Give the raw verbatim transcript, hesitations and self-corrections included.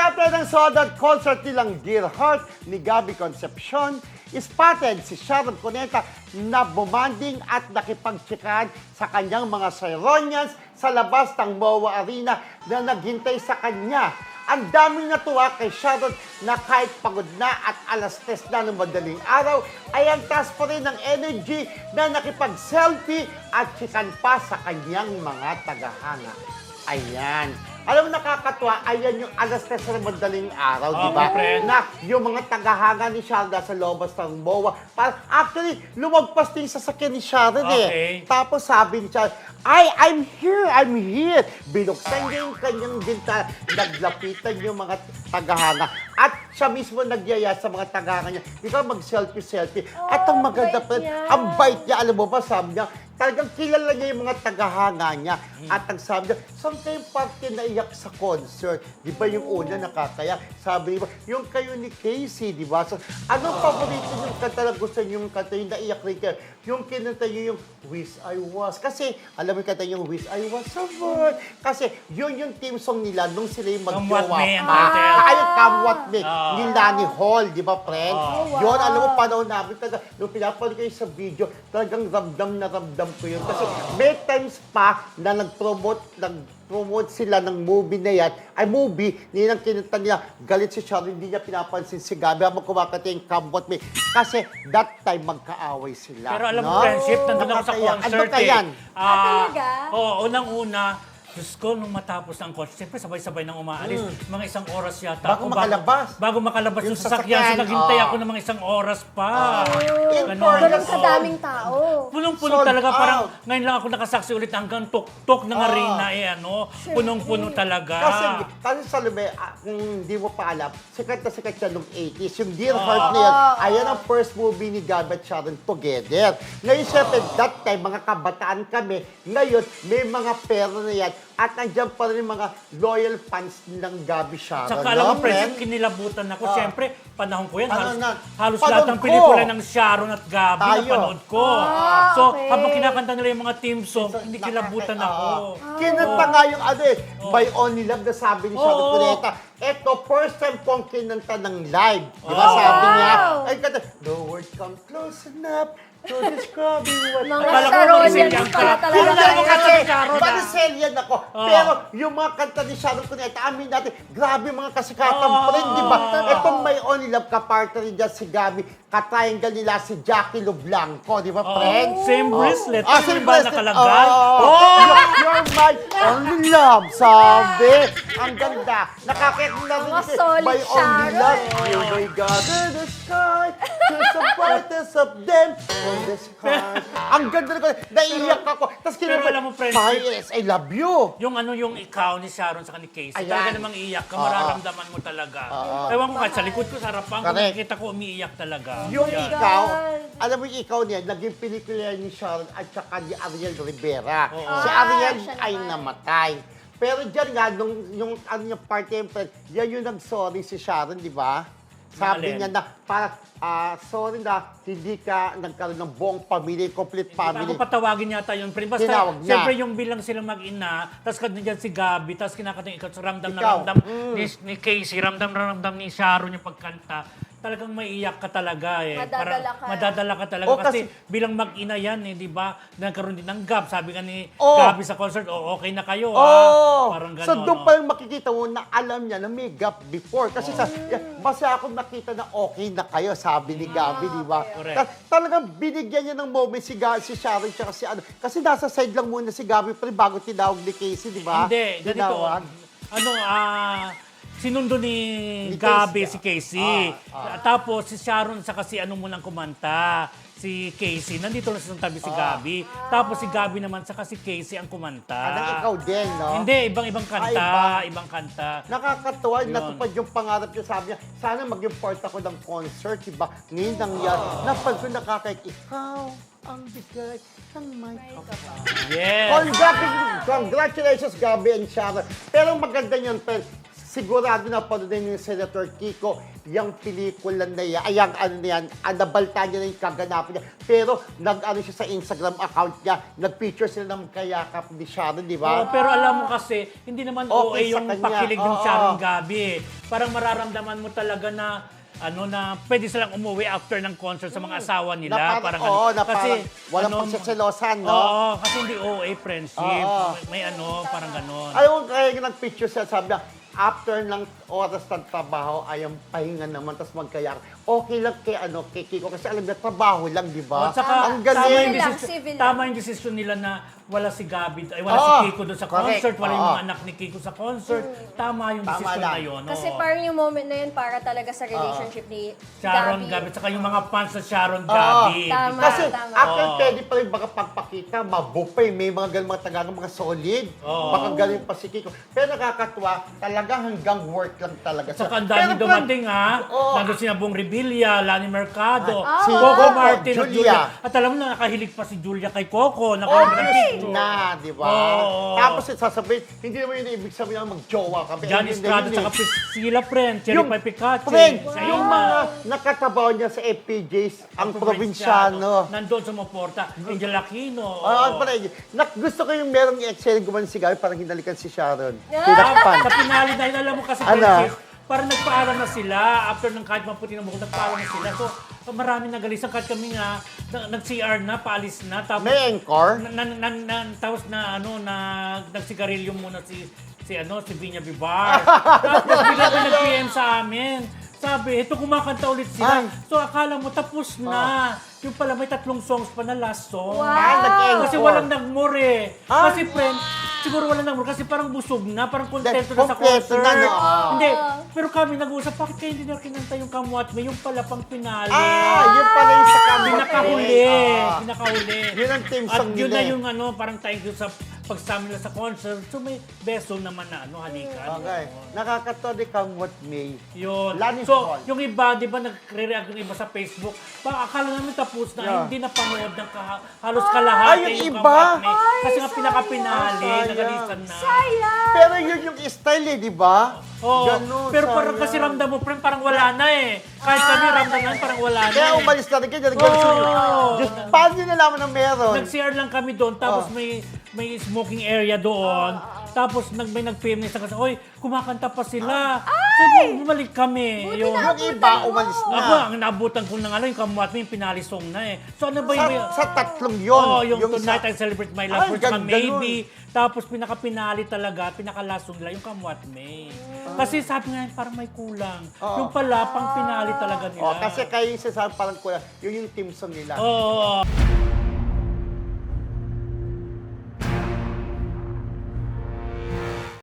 After ng sold-out concert nilang Dear Heart ni Gabby Concepcion, spotted si Sharon Cuneta na bumanding at nakipagtsikan sa kanyang mga Sironians sa labas ng M O A Arena na naghintay sa kanya. Ang daming natuwa kay Sharon na kahit pagod na at alas tres na ng madaling araw, ay ang taas pa rin ng energy na nakipag-selfie at tsikan pa sa kanyang mga tagahanga. Ayan. Alam mo, nakakatuwa, ayan yung alas tres na madaling araw, Oh, di ba? my friend. Na yung mga tagahanga ni Sharon sa lobas ng M O A. Parang, actually, lumagpas din sa sasakyan ni Sharon eh. Okay. Tapos sabi ni Sharon, ay, I'm here, I'm here. Binuksan niya yung kanyang binta, naglapitan yung mga tagahanga. At siya mismo nagyaya sa mga tagahanga niya, ikaw mag-selfie-selfie. At ang Oh, maganda bait pa, niya. ang bait niya, alam mo ba, sabi niya, talagang kilala niya yung mga tagahanga niya. At ang sabi niya, saan kayong parte naiyak sa concert? Di ba yung una nakakaya? Sabi niya, yung kayo ni Casey, di ba? So, anong paborito niyong kanta na gusto niyong kanta, yung naiyak rin kayo? Yung kinanta niyo yung Wish I Was. Kasi, alam mo yung kanta yung Wish I Was so good. Kasi, yun yung team song nila nung sila yung Come What mag-jowa May ang pa. title. Ay, Come What May. Ah. Ni Lani Hall, di ba, friend? Ah. Oh, wow. Yun, alam mo, panahon namin talaga, nung pinapanood kayo sa video, talagang ramdam na ramdam ko yun. Kasi may times pa na nag-promote, nag-promote sila ng movie na yan, ay movie, nilang kinunta nila, galit si Sharon, hindi niya pinapansin si Gabi habang kumakanta yung Come What May. Kasi that time magkaaway sila. Pero alam mo, no? friendship, nandun ako sa Nakakaya. concert Ano ka yan? eh. Ah, talaga? Oo, unang-una, Diyos ko, nung matapos ng concert, siyempre sabay-sabay nang umaalis. Mga isang oras yata. Bago ako, makalabas. Bago, makalabas Yung yung sasakyan. So, sasakyan, naghintay oo. ako ng mga isang oras pa. In Ganon. fairness, Ganun sa Oo. daming tao. Punong-puno Sold talaga. out. Parang ngayon lang ako nakasaksi ulit hanggang tok-tok ng Ah. arena. Eh, ano, punong-puno talaga. Kasi, kasi sa Lume, ah, kung hindi mo pa alam, sikat na sikat siya nung eighties. Yung Dear Ah. Heart na yan, Ah. ayan ang first movie ni Gabi at Sharon together. Ngayon, syempre, that time, mga kabataan kami. Ngayon, may mga pera na yan. At nandiyan pa rin yung mga loyal fans ng Gabi Sharon. Tsaka alam mo, no, friends, friend? kinilabutan ako. Ah. Siyempre, panahon ko yan. Ano Halos, na? halos Panood lahat ng ko. pelikula ng Sharon at Gabi Tayo. napanood ko. Ah, so, okay. habang kinakanta nila yung mga team song, So, hindi nakaka- kilabutan oo. ako. Kinanta nga yung ano eh, By Only Love na sabi ni Sharon Oo. Cuneta. Eto, first time ko ang kinanta ng live. Di ba Oh. sabi niya? Wow. Ay, kanta, no word come close enough to describing what Mga Akala ko Sharonians Brazilian pala ka. talaga. Kilala ko Kilala kasi, ni Sharon, ah. Brazilian ako. Oh. Pero yung mga kanta ni Sharon Cuneta, amin natin, grabe mga kasikatan Oh. pa rin, di ba? Totoo. Itong May Only Love, kapartner rin dyan si Gabi, katriangle nila si Jackie Lublanco, di ba, Oh, friend? same Oh. bracelet. Ah, Ano same ba bracelet. nakalagay? Oh. Oh. You're, you're my only love, sabi. Ang ganda. Nakakit na rin Mga si solid My Only Sharon. Love. You may gather the sky, there's the brightest of them on the sky. Ang ganda na ko. Naiiyak ako. Tapos pero alam mo, friend, Yes, I love you. Yung ano yung ikaw ni Sharon sa ni Casey, Ayan. talaga namang iiyak ka, Oo. mararamdaman mo talaga. Oo. Ewan ko nga, sa likod ko, sa harapan ko, Correct. nakikita ko umiiyak talaga. Yung Yan. ikaw, God. alam mo yung ikaw niya, naging pelikula ni Sharon at saka ni Ariel Rivera. Oo. Si Ah, Ariel siya ay naman. namatay. Pero dyan nga, nung, yung ano yung party and friend, yan yung nag-sorry si Sharon, di ba? Sabi Alin? niya na, para, ah, sorry na, hindi ka nagkaroon ng buong pamilya, complete family. Ako patawagin yata yun, friend. Basta, Tinawag niya. siyempre yung bilang silang mag-ina, tapos kanina si Gabi, tapos kinakanta yung ikaw, so ramdam na Ikaw. ramdam Mm. ni, ni Casey, ramdam na ramdam ni Sharon yung pagkanta. Talagang maiiyak ka talaga eh. Madadala ka. Madadala ka talaga. O, kasi, kasi- bilang mag-ina yan eh, di ba? Nagkaroon din ng gap. Sabi ka ni Oh. Gabi sa concert, oh, okay na kayo Oh, ah. Parang so gano'n. doon oh. pa lang makikita mo na alam niya na may gap before. Kasi sa, basta ako nakita na okay na kayo, sabi ni Gabi, di ba? Correct. Ta- talagang binigyan niya ng moment si, Ga- si Sharon tsaka si ano. Kasi nasa side lang muna si Gabi pero bago tinawag ni Casey, di ba? Hindi, ganito. Tinawag. Ano, ah, sinundo ni, Ni Gabi Casey. si Casey. Ah, Tapos si Sharon sa kasi ano munang kumanta. Si Casey, nandito lang sa tabi si Gabi. Tapos si Gabi naman sa si Casey ang kumanta. Anong ikaw din, no? Hindi, ibang-ibang kanta. Ah, iba. ibang kanta. Nakakatuwa, Yun. natupad yung pangarap niya. Sabi niya, sana maging part ako ng concert, diba? Ngayon nangyari. Napansin nakakaik, ikaw ang bigay ng may kapal. Yes. Congratulations, congratulations, Gabi and Sharon. Pero maganda yun, pero sigurado na panoodin ni Senator Kiko yung pelikula na yan, ay yung ano na yan, ah, nabalta niya na yung kaganapan niya. Pero nag-ano siya sa Instagram account niya, nag-picture sila ng kayakap ni Sharon, di Oo, ba? pero alam mo kasi, hindi naman Okay O A sa yung kanya. pakilig ng Oo. Sharon Gabi. eh. Parang mararamdaman mo talaga na ano na pwede silang umuwi after ng concert sa mga asawa nila. Na parang, oo, na parang walang pagsaselosan, no? Oo, kasi hindi O A friendship. Oo. May, may ano, parang ganon. Alam mo, kaya yung nag-picture siya, sabi niya, after ng oras ng trabaho, ay ang pahinga naman, tapos magkayak. Okay lang kay, ano, kay Kiko, kasi alam niya, trabaho lang, di ba? At saka, ang tama yung, galing. lang, desisyon, civil lang. tama yung desisyon nila na wala si Gabi, ay wala Oo, si Kiko doon sa correct. concert, wala yung Oo. mga anak ni Kiko sa concert. Tama yung Tama desisyon lang. na yun. Kasi oo. parang yung moment na yun para talaga sa relationship ni Sharon Gabi. Gabi, at saka yung mga fans sa Sharon Oo. Gabi. Tama. Kasi tama. after Oo. pwede pa rin baka pagpakita, mabupay, may mga ganun mga tagang mga solid. Oo. Baka galing pa si Kiko. Pero nakakatuwa, talaga hanggang work lang talaga. At saka ang Pero dami kung- dumating ha. Oo. Nandun si Nabong Revilla, Lani Mercado, Ay, si Coco Coco, Martin at Julia. Julia. At alam mo na nakahilig pa si Julia kay Coco. Oh, Nakahilig ng yes picture. na, di ba? Oo. Tapos sasabihin, hindi naman yun ibig sabihin na mag-jowa kami. John Ayun na Estrada, yun eh. saka Priscilla Friend, Cherry Yung Pie Picache. Friend, Sa yung mga nakatabaw niya sa F P Js, ang probinsyano. Nandun sa Maporta, Angel Aquino. Ah, oo. pala yun. Nak, gusto ko yung merong excellent gumawa si Gabi, parang hinalikan si Sharon. Ah! Tinakpan. Sa pinali dahil alam mo kasi, Ano? Princess, parang nagpaalam na sila. After ng kahit maputi ng buhok, nagpaalam na sila. So, marami nagalisan kahit kami nga, na- nag-C R na, paalis na. Tapos, May encore? na, na, na, na- tapos na, ano, na, nagsigarilyo muna si, si, ano, si Vinya Vivar. Tapos, bigla may nag-P M sa amin. Sabi, ito kumakanta ulit sila. Ay. So, akala mo, tapos na. Yung pala, may tatlong songs pa na last song. Wow! Ah, nag-encore. Kasi walang nagmure. Ah. Kasi friend, siguro walang nagmure kasi parang busog na, parang kontento na sa Kompleto concert. na, no? Ah. Hindi, pero kami nag-uusap, bakit kayo hindi na kinanta yung Kamwat May, yung pala pang pinali. Ah, yun pala yung sa kamot. Pinakahuli. Ah. Pinakahuli. Yun ang team At song yun nila na eh. yung ano, parang thank you sa pagsama nila sa concert. So may beso naman na ano, halikan. Okay. Nakakatawa ni Kamot May. Yun. Lani So, Paul. yung iba, di ba, nagre-react yung iba sa Facebook, pa, akala namin tapos na, Yeah. hindi na panood ng kaha- halos kalahati Ay, yung yung iba? Kamwat May. Ay, Kasi nga pinaka-pinali, sayang. nagalisan na. Sayang! Pero yun yung style eh, di ba? Oo, Ganun, pero parang sayang. kasi ramdam mo, friend, parang wala na eh. Kahit kami ramdam namin, parang wala na Kaya eh. umalis na rin kayo. Ganun Oo. oh. Just, paano nyo nalaman na meron? Nag-C R lang kami doon, tapos Oh. may may smoking area doon. Tapos nag, may nag-P M na isa kasi, oy, kumakanta pa sila. So, bumalik kami. Buti Yung, na- Yung iba, umalis na. ako, ang naabutan ko ng ano, yung Kamwat May, yung pinali song na eh. So ano ba Sa, yung... sa tatlong yun. Oo, yung, Tonight sa- I Celebrate My Ay, Love, first ganda Maybe. Tapos pinaka-pinali talaga, pinaka-last song nila, yung Kamwat May. Kasi sabi nga, parang may kulang. Oo. Yung pala, pang pinali talaga nila. Oh, kasi kayo yung sasabi parang kulang. Yun yung team song nila. Oo.